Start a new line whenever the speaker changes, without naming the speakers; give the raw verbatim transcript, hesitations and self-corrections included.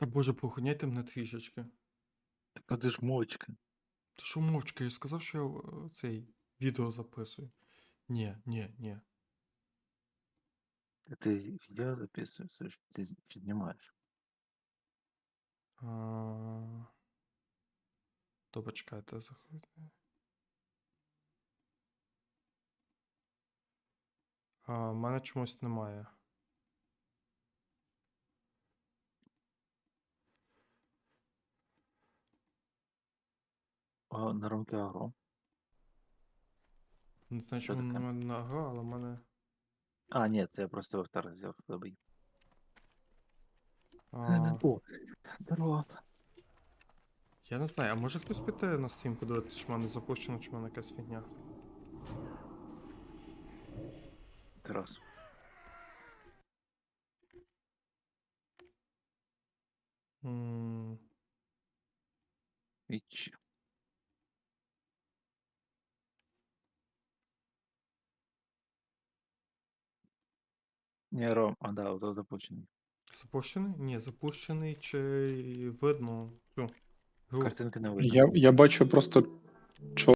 Та боже, поохороняйте мене трішечки.
Так то ти ж мовчки.
Ти що мовчки, я ж сказав, що я е, цей відео записую. Ні, ні, ні.
Та ти відео записуєш, ти з- чи знімаєш.
А... Добре, чекайте, заходьте. А, в мене чомусь немає.
О, на ромки агро.
Не знаю,
Що
чому
таке?
немає на гра, але в мене.
А, ні, це я просто вовтор взяв забий.
А...
О, здорово.
Я не знаю, а може хтось піти на стрім подивитися, чи в мене запущено, чи в мене якась фігня.
Тарас.
М,
Іч. Ні, Ром, а да, ото запущений.
Запущений? Ні, запущений чи видно цю гру.
Картинки не видно.
Я, я бачу просто